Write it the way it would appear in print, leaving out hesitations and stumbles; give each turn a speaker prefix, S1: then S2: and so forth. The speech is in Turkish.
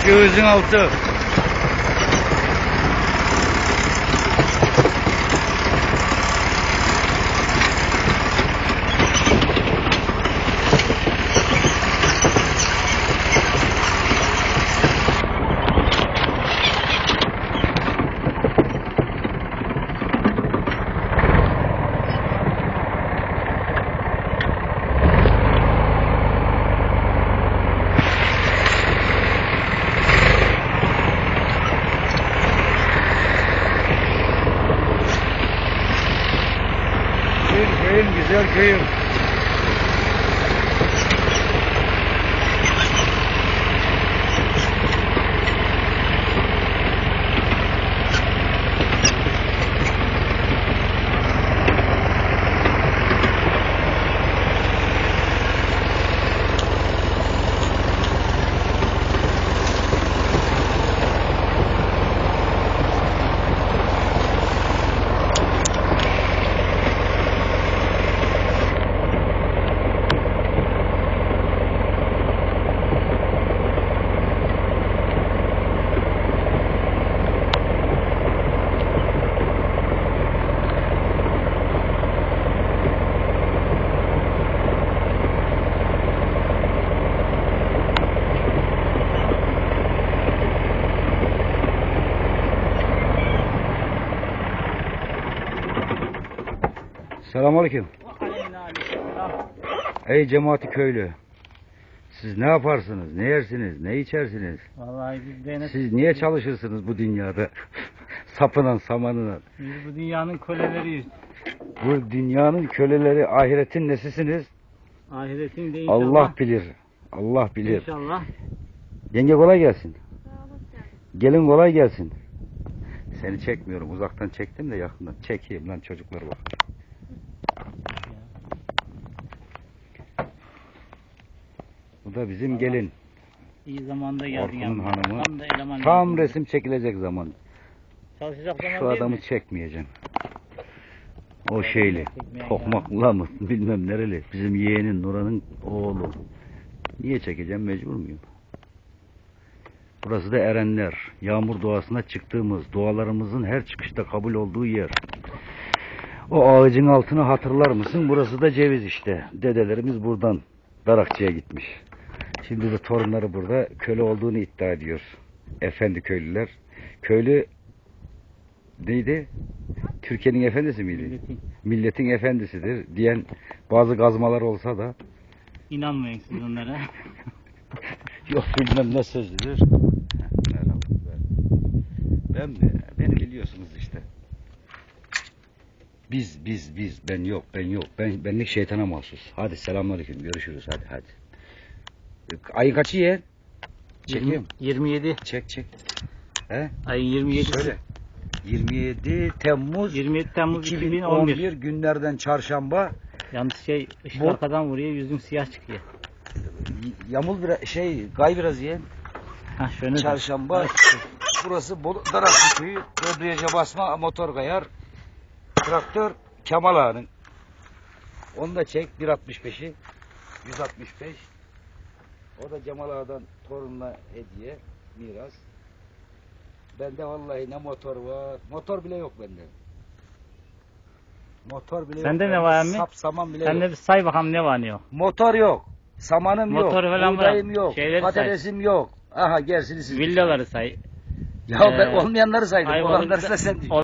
S1: Göğüzün altı. Köyün, güzel köyün. Selamünaleyküm. Ey cemaati köylü. Siz ne yaparsınız? Ne yersiniz? Ne içersiniz?
S2: Vallahi biz
S1: Siz niye çalışırsınız bu dünyada? Sapınan samanına.
S2: Biz bu dünyanın köleleriyiz.
S1: Bu dünyanın köleleri, ahiretin nesisiniz?
S2: Ahiretin de inşallah.
S1: Allah bilir. Allah bilir.
S2: İnşallah.
S1: Yenge kolay gelsin. Gelin kolay gelsin. Seni çekmiyorum. Uzaktan çektim de yakından. Çekeyim lan, çocuklar bak. Bu da bizim gelin.
S2: İyi zamanda geldin.
S1: Orkun'un hanımı.
S2: Tam da eleman.
S1: Tam resim çekilecek zaman.
S2: Çalışacak zaman
S1: Şu
S2: değil
S1: adamı
S2: mi?
S1: çekmeyeceğim. O şeyli. Tokmakla mı? Bilmem nereli. Bizim yeğenin Nura'nın oğlu. Niye çekeceğim? Mecbur muyum? Burası da Erenler. Yağmur doğasına çıktığımız, dualarımızın her çıkışta kabul olduğu yer. O ağacın altını hatırlar mısın? Burası da Ceviz işte. Dedelerimiz buradan Darakçı'ya gitmiş. Şimdi de torunları burada köle olduğunu iddia ediyor. Efendi köylüler. Köylü neydi? Türkiye'nin efendisi miydi? Milletin efendisidir diyen bazı gazmalar olsa da
S2: İnanmayın siz onlara.
S1: yok bilmem ne sözlüdür. Beni biliyorsunuz işte. Biz ben yok. Benlik şeytana mahsus. Hadi selamünaleyküm, görüşürüz, hadi. Ayın kaçı ye? Çekeyim.
S2: 27.
S1: Çek. He?
S2: Ayın 27.
S1: Söyle. 27 Temmuz
S2: 27 Temmuz
S1: 2011 günlerden çarşamba.
S2: Yalnız ışık
S1: Bu-
S2: arkadan vuruyor, yüzün siyah çıkıyor.
S1: Yamul biraz gay biraz ye.
S2: Ha şöyle.
S1: Çarşamba. Burası Darakçı köyü. Dördüyece basma motor kayar. Traktör Kemal Ağa'nın. Onu da çek 1.65'i. 165. O da Cemal Ağa'dan torununa hediye, miras. Bende vallahi ne motor var. Motor bile yok bende. Motor bile
S2: Sende
S1: yok.
S2: ne var emmi?
S1: Sap saman bile
S2: Sen de
S1: yok.
S2: bir say bakalım ne var ne yok.
S1: Motor yok. Samanım
S2: Motor
S1: yok.
S2: falan
S1: Buğdayım
S2: var.
S1: yok.
S2: Şeyleri
S1: Patatesim yok. Aha gerisini siz.
S2: Villaları say.
S1: Ya ben olmayanları saydım.
S2: Ayvalık'ta-
S1: Olanları da sen düşün.